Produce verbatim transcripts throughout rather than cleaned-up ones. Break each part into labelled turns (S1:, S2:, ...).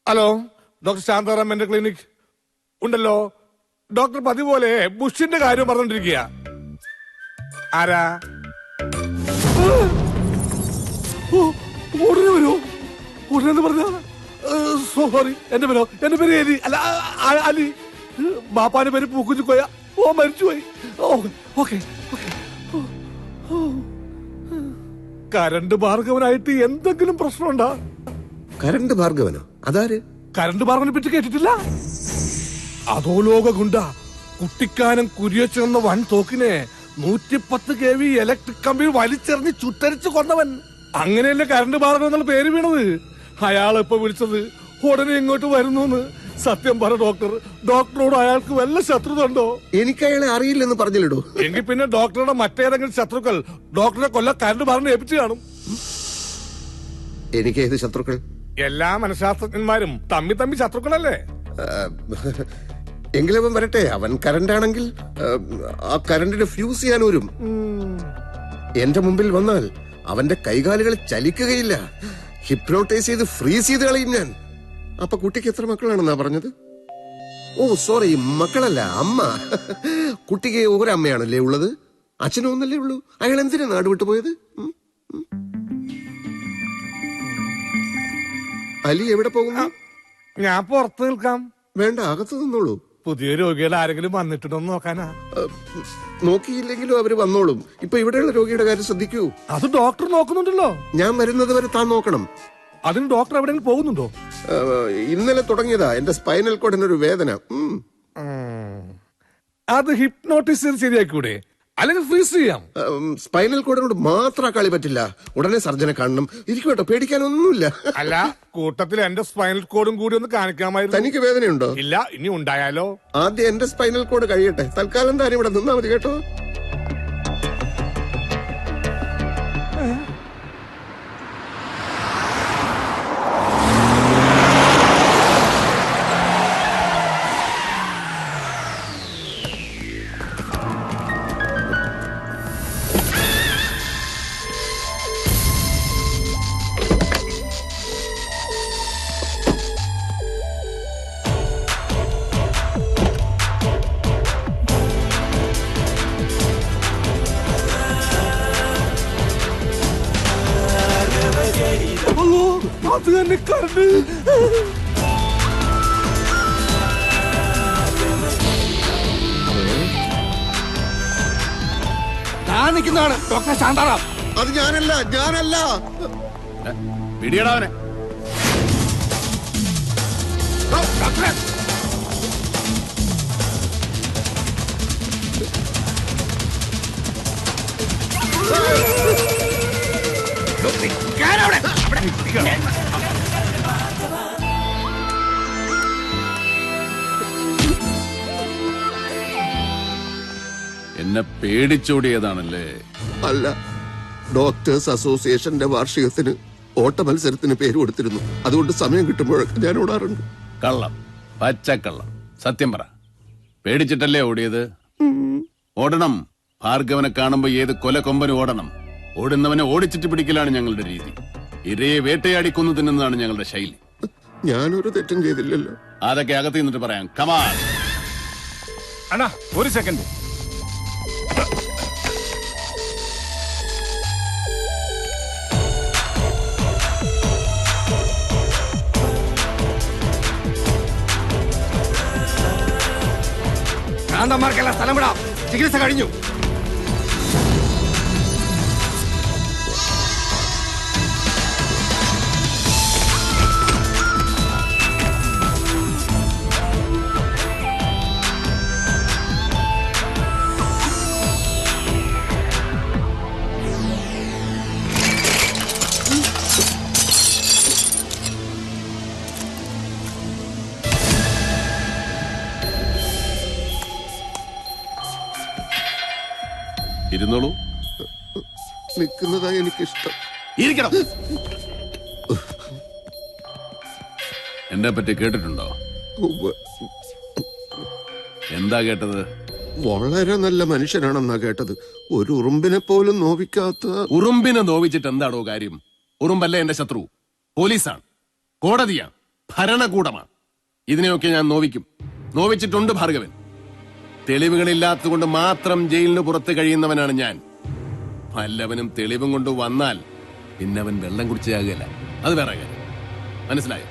S1: Hello, doctor Shantaram എന്റെ clinic ഉണ്ടല്ലോ. Doctor പതിപോലെ ബുഷിന്റെ കാര്യം പറഞ്ഞോണ്ടിരിക്കുക. ആരാ? ഉടനെ വരൂ. ഉടനെ പറഞ്ഞ സോറി, എന്റെ പേരോ എന്റെ പേര് എലി അല്ല അലി. ബാപ്പാന്റെ പേര് പൂക്കുച്ചിക്കോയ. ഓ മരിച്ചുപോയി. ഓക്കെ കരണ്ട് ഭാർഗവനായിട്ട് എന്തെങ്കിലും പ്രശ്നമുണ്ടോ?
S2: കരണ്ട് ഭാർഗവനോ? അതാര്?
S1: കരണ്ട് ഭാർഗവനെ പറ്റി കേട്ടിട്ടില്ല? അതോ ലോക ഗുണ്ട കുട്ടിക്കാനം കുരിയച്ചെന്ന വൻ തോക്കിനെ നൂറ്റിപ്പത്ത് കെ വി ഇലക്ട്രിക് കമ്പിയിൽ വലിച്ചെറിഞ്ഞ് ചുട്ടരിച്ച് കൊന്നവൻ. അങ്ങനെയല്ലേ കരണ്ട് ഭാർഗവൻ എന്നുള്ള പേര് വീണത്. അയാളിപ്പോ വിളിച്ചത് ഉടനെ ഇങ്ങോട്ട് വരുന്നു. സത്യം പറ ഡോക്ടർ, ഡോക്ടറോട് അയാൾക്ക് വല്ല ശത്രുത ഉണ്ടോ?
S2: എനിക്ക് അയാളെ അറിയില്ലെന്ന് പറഞ്ഞില്ലടോ.
S1: എങ്കിൽ പിന്നെ ഡോക്ടറുടെ മറ്റേതെങ്കിലും ശത്രുക്കൾ ഡോക്ടറെ കൊല്ല കരണ്ട് ഭാർഗവനെ ഏൽപ്പിച്ചു കാണും.
S2: എനിക്ക് ഏത് ശത്രുക്കൾ? എല്ലാ
S1: മനഃശാസ്ത്രജ്ഞന്മാരും തമ്മി തമ്മി ശത്രുക്കളല്ലേ?
S2: എങ്കിലവൻ വരട്ടെ. അവൻ കരണ്ടാണെങ്കിൽ ആ കരണ്ടിന് ഫ്യൂസ് ചെയ്യാൻ വരും. എന്റെ മുമ്പിൽ വന്നാൽ അവന്റെ കൈകാലുകൾ ചലിക്കുകയില്ല. ഹിപ്നോട്ടൈസ് ചെയ്ത് ഫ്രീസ് ചെയ്ത് കളയും ഞാൻ. അപ്പൊ കുട്ടിക്ക് എത്ര മക്കളാണെന്നാ പറഞ്ഞത്? ഓ സോറി, മക്കളല്ല, അമ്മ. കുട്ടിക്ക് ഒരമ്മയാണല്ലേ ഉള്ളത്? അച്ഛനും ഒന്നല്ലേ ഉള്ളൂ. അയാൾ എന്തിനാ നാട് വിട്ടുപോയത്? അലി എവിടെ പോകുന്നു?
S1: ഞാൻ പുറത്ത് നിൽക്കാം.
S2: വേണ്ട, അകത്ത് നിന്നോളൂ.
S1: പുതിയ രോഗികൾ ആരെങ്കിലും വന്നിട്ടുണ്ടോ നോക്കാനാ?
S2: നോക്കിയില്ലെങ്കിലും അവര് വന്നോളും. ഇപ്പൊ ഇവിടെയുള്ള രോഗിയുടെ കാര്യം ശ്രദ്ധിക്കൂ.
S1: അത് ഡോക്ടർ നോക്കുന്നുണ്ടല്ലോ.
S2: ഞാൻ വരുന്നത് വരെ താൻ നോക്കണം.
S1: അതിന് ഡോക്ടർ എവിടെയെങ്കിലും പോകുന്നുണ്ടോ?
S2: ഇന്നലെ തുടങ്ങിയതാ എന്റെ സ്പൈനൽ കോഡിനൊരു വേദന.
S1: അത് ഹിപ്നോട്ടിസ് ചെയ്ത് ശരിയാക്കൂടെ? അല്ലെങ്കിൽ ഫ്രീസ് ചെയ്യാം.
S2: സ്പൈനൽ കോഡിനോട് മാത്രം കളി പറ്റില്ല. ഉടനെ സർജനെ കാണണം. ഇരിക്കും കേട്ടോ, പേടിക്കാനൊന്നുമില്ല.
S1: അല്ല, കൂട്ടത്തിൽ എന്റെ സ്പൈനൽ കോഡും കൂടി ഒന്ന് കാണിക്കാമായിരുന്നു.
S2: തനിക്ക് വേദനയുണ്ടോ?
S1: ഇല്ല, ഇനി ഉണ്ടായാലോ?
S2: ആദ്യം എന്റെ സ്പൈനൽ കോഡ് കഴിയട്ടെ. തൽക്കാലം താൻ ഇവിടെ നിന്നാ മതി കേട്ടോ.
S1: അത് തന്നെ കരണ്ട്. ഞാൻ നിൽക്കുന്നതാണ് ഡോക്ടർ ശാന്താറാം.
S2: അത് ഞാനല്ല, ഞാനല്ല.
S1: പിടിയടാവനെ. ഡോക്ടറെ,
S3: എന്നെ പേടിച്ചോടിയതാണല്ലേ?
S2: അല്ല, ഡോക്ടേഴ്സ് അസോസിയേഷന്റെ വാർഷികത്തിന് ഓട്ട മത്സരത്തിന് പേര് കൊടുത്തിരുന്നു. അതുകൊണ്ട് സമയം കിട്ടുമ്പോഴൊക്കെ ഞാൻ ഓടാറുണ്ട്.
S3: കള്ളം, പച്ചക്കള്ളം. സത്യം പറ, പേടിച്ചിട്ടല്ലേ ഓടിയത്? ഓടണം. ഭാർഗവനെ കാണുമ്പോ ഏത് കൊലക്കൊമ്പനും ഓടണം. ഓടുന്നവനെ ഓടിച്ചിട്ട് പിടിക്കലാണ് ഞങ്ങളുടെ രീതി. ഇരയെ വേട്ടയാടി കൊന്നു തിന്നുന്നതാണ് ഞങ്ങളുടെ ശൈലി.
S2: ഞാനൊരു തെറ്റും ചെയ്തില്ലല്ലോ.
S3: അതൊക്കെ അകത്ത് നിന്നിട്ട് പറയാം. കമാൻ
S1: അണ്ണാ, ഒരു സെക്കൻഡ്. ഭ്രാന്തന്മാർക്കെല്ലാം സ്ഥലം വിടാം. ചികിത്സ കഴിഞ്ഞു.
S3: ഇരുന്നോളൂ.
S2: നിൽക്കുന്നതാ എനിക്കിഷ്ടം.
S3: ഇരിക്കണം. എന്നെ പറ്റി കേട്ടിട്ടുണ്ടോ? എന്താ കേട്ടത്?
S2: വളരെ നല്ല മനുഷ്യനാണെന്നാ കേട്ടത്. ഒരു ഉറുമ്പിനെ പോലും നോവിക്കാത്ത.
S3: ഉറുമ്പിനെ നോവിച്ചിട്ട് എന്താണോ കാര്യം? ഉറുമ്പല്ല എന്റെ ശത്രു, പോലീസാണ്, കോടതിയാണ്. ഭരണകൂടമാണ്. ഇതിനെയൊക്കെ ഞാൻ നോവിക്കും, നോവിച്ചിട്ടുണ്ട് ഭാർഗവൻ. തെളിവുകളില്ലാത്തതുകൊണ്ട് മാത്രം ജയിലിന് പുറത്ത് കഴിയുന്നവനാണ് ഞാൻ. വല്ലവനും തെളിവും കൊണ്ട് വന്നാൽ പിന്നെ അവൻ വെള്ളം കുടിച്ചാകുകയല്ല, അത് വേറെ കാര്യം. മനസ്സിലായോ?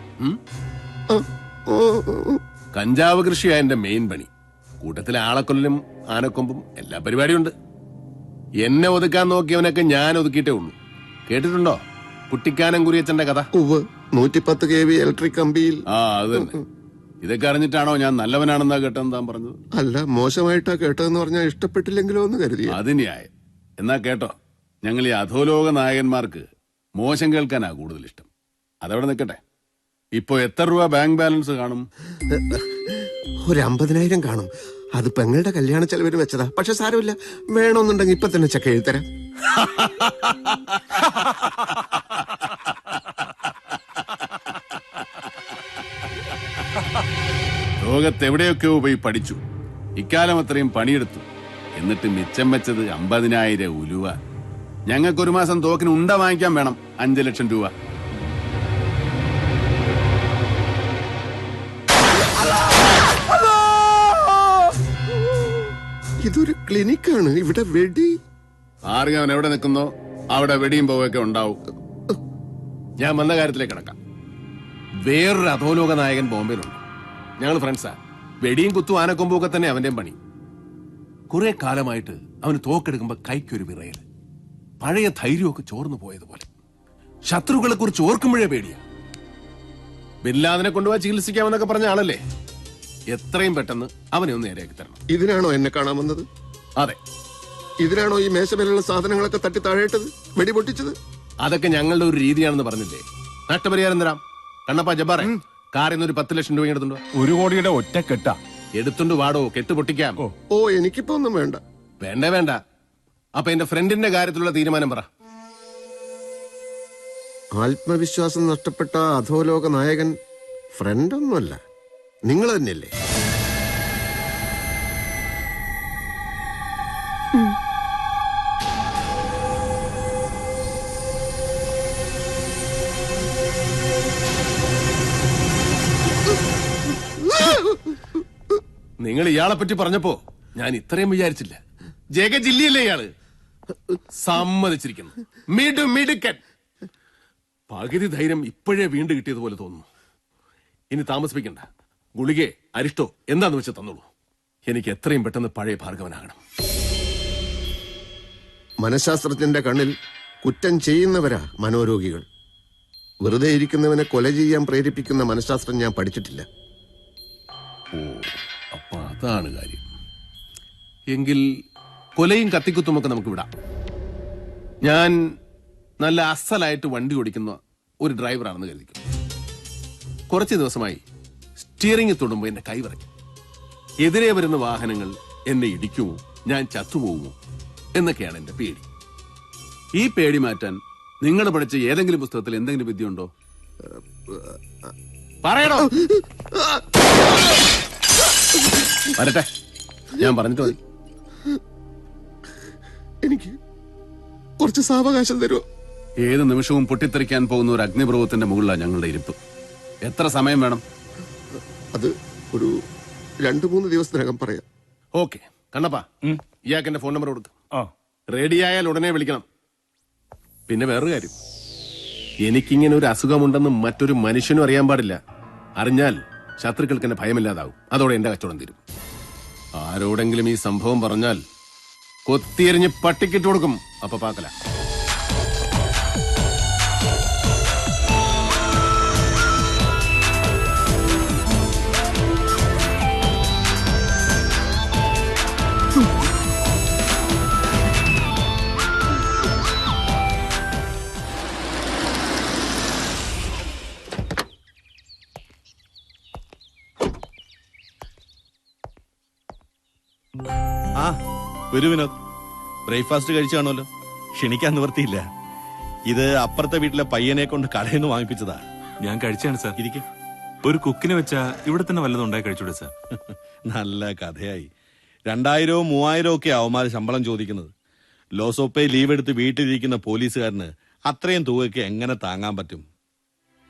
S3: കഞ്ചാവ് കൃഷിയാ എന്റെ മെയിൻ പണി. കൂട്ടത്തിലെ ആളക്കൊല്ലും ആനക്കൊമ്പും എല്ലാ പരിപാടിയുണ്ട്. എന്നെ ഒതുക്കാൻ നോക്കിയവനൊക്കെ ഞാൻ ഒതുക്കിയിട്ടേ ഉള്ളൂ. കേട്ടിട്ടുണ്ടോ കുട്ടിക്കാനം കുരിയച്ചന്റെ കഥ?
S2: നൂറ്റിപ്പത്ത് കെ വി ഇലക്ട്രിക് കമ്പിയിൽ.
S3: ആ അത് തന്നെ. ഇതൊക്കെ അറിഞ്ഞിട്ടാണോ ഞാൻ നല്ലവനാണെന്നാ കേട്ടെന്ന് താൻ പറഞ്ഞത്?
S2: അല്ല, മോശമായിട്ടാ കേട്ടതെന്ന് പറഞ്ഞാൽ ഇഷ്ടപ്പെട്ടില്ലെങ്കിലോ എന്ന് കരുതി.
S3: അത് ന്യായം. എന്നാ കേട്ടോ, ഞങ്ങൾ ഈ അധോലോക നായകന്മാർക്ക് മോശം കേൾക്കാനാ കൂടുതൽ ഇഷ്ടം. അതവിടെ നിൽക്കട്ടെ. ഇപ്പൊ എത്ര രൂപ ബാങ്ക് ബാലൻസ് കാണും?
S2: ഒരു അമ്പതിനായിരം കാണും. അത് പെങ്ങളുടെ കല്യാണ ചെലവിന് വെച്ചതാ. പക്ഷെ സാരമില്ല, വേണമെന്നുണ്ടെങ്കിൽ ഇപ്പൊ തന്നെ ചെക്ക് എഴുതരാം.
S3: ലോകത്തെവിടെയൊക്കെയോ പോയി പഠിച്ചു, ഇക്കാലം അത്രയും പണിയെടുത്തു. എന്നിട്ട് മിച്ചം വെച്ചത് അമ്പതിനായിരം ഉലുവ. ഞങ്ങൾക്കൊരു മാസം തോക്കിന് ഉണ്ട വാങ്ങിക്കാൻ വേണം അഞ്ചു ലക്ഷം രൂപ.
S2: ഇതൊരു ക്ലിനിക്കാണ്. ഇവിടെ വെടി
S3: ആർഗവൻ എവിടെ നിൽക്കുന്നോ അവിടെ വെടിയും പോവൊക്കെ ഉണ്ടാവും. ഞാൻ വന്ന കാര്യത്തിലേക്ക് കിടക്കാം. വേറൊരു അധോലോക നായകൻ ബോംബെയിലുണ്ട്. ഞങ്ങൾ ഫ്രണ്ട്സാ. വെടിയും കുത്തും ആനക്കൊമ്പും ഒക്കെ തന്നെ അവന്റെയും പണി. കുറെ കാലമായിട്ട് അവന് തോക്കെടുക്കുമ്പോ കൈക്കൊരു വിറയൽ, പഴയ ധൈര്യമൊക്കെ ചോർന്നു പോയതുപോലെ. ശത്രുക്കളെ കുറിച്ച് ഓർക്കുമ്പോഴേ പേടിയാ. ബില്ലാദിനെ കൊണ്ടുപോയി ചികിത്സിക്കാമെന്നൊക്കെ പറഞ്ഞ ആളല്ലേ. എത്രയും പെട്ടെന്ന് അവനെ ഒന്ന് നേരെയാക്കി തരണം.
S2: ഇതിനാണോ എന്നെ കാണാൻ വന്നത്?
S3: അതെ.
S2: ഇതിനാണോ ഈ മേശമേലുള്ള സാധനങ്ങളൊക്കെ തട്ടി താഴേട്ടത്, വെടി പൊട്ടിച്ചത്?
S3: അതൊക്കെ ഞങ്ങളുടെ ഒരു രീതിയാണെന്ന് പറഞ്ഞില്ലേ. നഷ്ടപരിഹാരം തരാം. കണ്ണപ്പ ജബ്ബാറെ, കാറിൽ നിന്ന് ഒരു പത്ത് ലക്ഷം രൂപ എടുത്തുണ്ടോ?
S4: ഒരു കോടിയുടെ ഒറ്റ കെട്ട
S3: എടുത്തുണ്ട് വാടോ, കെട്ട് പൊട്ടിക്കാം.
S2: ഓ, എനിക്കിപ്പോ ഒന്നും വേണ്ട.
S3: വേണ്ട വേണ്ട. അപ്പൊ എന്റെ ഫ്രണ്ടിന്റെ കാര്യത്തിലുള്ള തീരുമാനം പറ.
S2: ആത്മവിശ്വാസം നഷ്ടപ്പെട്ട അധോലോക നായകൻ ഫ്രണ്ടൊന്നുമല്ല, നിങ്ങൾ തന്നെയല്ലേ?
S3: നിങ്ങൾ ഇയാളെ പറ്റി പറഞ്ഞപ്പോ ഞാൻ ഇത്രയും വിചാരിച്ചില്ല. ജഗജില്ലിയല്ലേ ഇയാള്? സമ്മതിച്ചിരിക്കുന്നു. മിടു മിടുക്കൻ. പകുതി ധൈര്യം ഇപ്പോഴേ വീണ്ടും കിട്ടിയതുപോലെ തോന്നുന്നു. ഇനി താമസിപ്പിക്കണ്ട. ഗുളികെ അരിഷ്ടോ എന്താന്ന് വെച്ച് തന്നോളൂ. എനിക്ക് എത്രയും പെട്ടെന്ന് പഴയ ഭാർഗവനാകണം.
S2: മനഃശാസ്ത്രജ്ഞന്റെ കണ്ണിൽ കുറ്റം ചെയ്യുന്നവരാ മനോരോഗികൾ. വെറുതെ ഇരിക്കുന്നവനെ കൊല ചെയ്യാൻ പ്രേരിപ്പിക്കുന്ന മനഃശാസ്ത്രം ഞാൻ പഠിച്ചിട്ടില്ല.
S3: ഓ, അപ്പൊ അതാണ് കാര്യം. എങ്കിൽ കൊലയും കത്തിക്കുത്തുമൊക്കെ നമുക്ക് വിടാം. ഞാൻ നല്ല അസലായിട്ട് വണ്ടി ഓടിക്കുന്ന ഒരു ഡ്രൈവറാണെന്ന് കരുതിക്കും. കുറച്ച് ദിവസമായി സ്റ്റിയറിംഗ് തൊടുമ്പോ എന്റെ കൈ വിറയ്ക്കും. എതിരെ വരുന്ന വാഹനങ്ങൾ എന്നെ ഇടിക്കുമോ, ഞാൻ ചത്തുപോകുമോ എന്നൊക്കെയാണ് എന്റെ പേടി. ഈ പേടി മാറ്റാൻ നിങ്ങൾ പഠിച്ച ഏതെങ്കിലും പുസ്തകത്തിൽ എന്തെങ്കിലും വിദ്യയുണ്ടോ? പറയണോ? വരട്ടെ, ഞാൻ പറഞ്ഞിട്ട് മതി.
S2: എനിക്ക് കുറച്ച് സാവകാശം തരുമോ?
S3: ഏത് നിമിഷവും പൊട്ടിത്തെറിക്കാൻ പോകുന്ന ഒരു അഗ്നിപർവ്വതത്തിന്റെ മുകളിലാണ് ഞങ്ങളുടെ ഇരിപ്പ്. എത്ര സമയം വേണം?
S2: അത് ഒരു രണ്ടു മൂന്ന് ദിവസത്തിനകം പറയാം.
S3: ഓക്കെ. കണ്ണപ്പാ, ഇയാൾക്ക് എന്റെ ഫോൺ നമ്പർ കൊടുത്തു.
S4: ആ,
S3: റെഡിയായാൽ ഉടനെ വിളിക്കണം. പിന്നെ വേറൊരു കാര്യം, എനിക്കിങ്ങനെ ഒരു അസുഖമുണ്ടെന്ന് മറ്റൊരു മനുഷ്യനും അറിയാൻ പാടില്ല. അറിഞ്ഞാൽ ശത്രുക്കൾക്ക് എന്നെ ഭയമില്ലാതാവും. അതോടെ എന്റെ കച്ചവടം തീരും. ആരോടെങ്കിലും ഈ സംഭവം പറഞ്ഞാൽ കൊത്തിയെറിഞ്ഞ് പട്ടിക്കിട്ട് കൊടുക്കും. അപ്പൊ പാക്കല.
S5: ആ, ഒരു വിനോദ്, ബ്രേക്ക്ഫാസ്റ്റ് കഴിച്ചു കാണുമല്ലോ. ക്ഷണിക്കാൻ നിവർത്തിയില്ല. ഇത് അപ്പുറത്തെ വീട്ടിലെ പയ്യനെ കൊണ്ട് കടയിൽ നിന്ന് വാങ്ങിപ്പിച്ചതാ.
S6: ഞാൻ കഴിച്ചാണ് സാർ.
S5: ഇരിക്കെ.
S6: ഒരു കുക്കിനെ വെച്ചാ ഇവിടെ തന്നെ വല്ലതും ഉണ്ടായി കഴിച്ചൂടെ സാർ?
S5: നല്ല കഥയായി. രണ്ടായിരവും മൂവായിരവും ഒക്കെ അവന്മാര് ശമ്പളം ചോദിക്കുന്നത്. ലോസോപ്പെ ലീവ് എടുത്ത് വീട്ടിലിരിക്കുന്ന പോലീസുകാരന് അത്രയും തുകയ്ക്ക് എങ്ങനെ താങ്ങാൻ പറ്റും?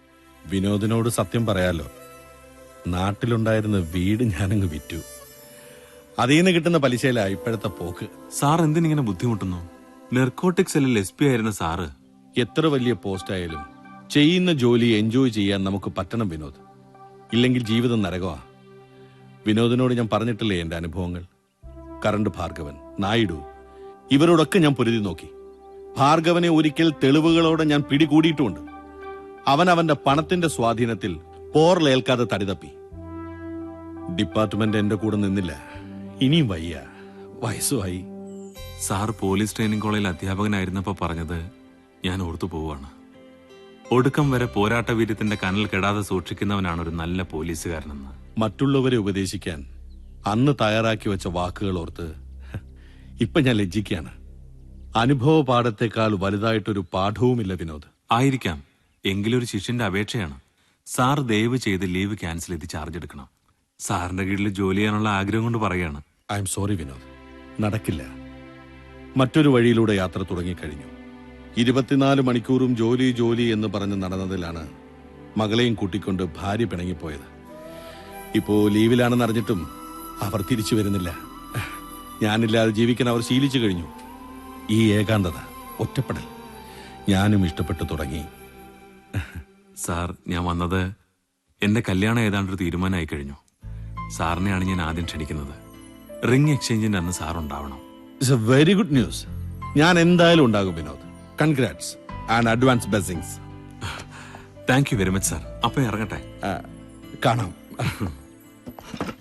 S5: വിനോദിനോട് സത്യം പറയാലോ, നാട്ടിലുണ്ടായിരുന്ന വീട് ഞാനങ്ങ് വിറ്റു. അതിൽ നിന്ന് കിട്ടുന്ന പലിശയിലാ ഇപ്പോഴത്തെ പോക്ക്.
S6: സാർ എന്തിനിങ്ങനെ ബുദ്ധിമുട്ടുന്നു? നെർക്കോട്ടിക് സെല്ലിൽ എസ് പി ആയിരുന്ന സാറ്.
S5: എത്ര വലിയ പോസ്റ്റ് ആയാലും ചെയ്യുന്ന ജോലി എൻജോയ് ചെയ്യാൻ നമുക്ക് പറ്റണം വിനോദ്. ഇല്ലെങ്കിൽ ജീവിതം നരകമാ. വിനോദിനോട് ഞാൻ പറഞ്ഞിട്ടില്ലേ എന്റെ അനുഭവങ്ങൾ. കറണ്ട് ഭാർഗവൻ, നായിഡു, ഇവരോടൊക്കെ ഞാൻ പൊരുതി നോക്കി. ഭാർഗവനെ ഒരിക്കൽ തെളിവുകളോടെ ഞാൻ പിടികൂടിയിട്ടുമുണ്ട്. അവൻ അവന്റെ പണത്തിന്റെ സ്വാധീനത്തിൽ പോറിലേൽക്കാതെ തടിതപ്പി. ഡിപ്പാർട്ട്മെന്റ് എന്റെ കൂടെ നിന്നില്ല. ഇനിയും വയ്യ, വയസ്സുമായി.
S6: സാർ പോലീസ് ട്രെയിനിങ് കോളേജിൽ അധ്യാപകനായിരുന്നപ്പോ പറഞ്ഞത് ഞാൻ ഓർത്തു പോവാണ്. ഒടുക്കം വരെ പോരാട്ട വീര്യത്തിന്റെ കനൽ കെടാതെ സൂക്ഷിക്കുന്നവനാണ് ഒരു നല്ല പോലീസുകാരനെന്ന്.
S5: മറ്റുള്ളവരെ ഉപദേശിക്കാൻ അന്ന് തയ്യാറാക്കി വെച്ച വാക്കുകൾ ഓർത്ത് ഇപ്പൊ ഞാൻ ലജ്ജിക്കാണ്. അനുഭവ പാഠത്തെക്കാൾ വലുതായിട്ടൊരു പാഠവുമില്ല വിനോദ്.
S6: ആയിരിക്കാം, എങ്കിലൊരു ശിഷ്യന്റെ അപേക്ഷയാണ്. സാർ ദയവ് ചെയ്ത് ലീവ് ക്യാൻസൽ ചെയ്ത് ചാർജ് എടുക്കണം. സാറിന്റെ കീഴിൽ ജോലി ചെയ്യാനുള്ള ആഗ്രഹം കൊണ്ട് പറയാണ്.
S5: ഐ എം സോറി വിനോദ്, നടക്കില്ല. മറ്റൊരു വഴിയിലൂടെ യാത്ര തുടങ്ങിക്കഴിഞ്ഞു. ഇരുപത്തിനാല് മണിക്കൂറും ജോലി ജോലി എന്ന് പറഞ്ഞ് നടന്നതിലാണ് മകളെയും കൂട്ടിക്കൊണ്ട് ഭാര്യ പിണങ്ങിപ്പോയത്. ഇപ്പോ ലീവിലാണെന്ന് അറിഞ്ഞിട്ടും അവർ തിരിച്ചു വരുന്നില്ല. ഞാനില്ലാതെ ജീവിക്കാൻ അവർ ശീലിച്ചു കഴിഞ്ഞു. ഈ ഏകാന്തത, ഒറ്റപ്പെടൽ ഞാനും ഇഷ്ടപ്പെട്ടു തുടങ്ങി.
S6: സാർ, ഞാൻ വന്നത് എന്റെ കല്യാണം ഏതാണ്ടൊരു തീരുമാനമായി കഴിഞ്ഞു. സാറിനെയാണ് ഞാൻ ആദ്യം ക്ഷണിക്കുന്നത്. റിംഗ് എക്സ്ചേഞ്ചിന്റെ അന്ന് സാർ ഉണ്ടാവണം.
S5: It's a very good news. ഞാൻ എന്തായാലും ഉണ്ടാകും Vinod. Congrats and advance blessings.
S6: Thank you very much sir. അപ്പൊ ഇറങ്ങട്ടെ.
S5: കാണാം.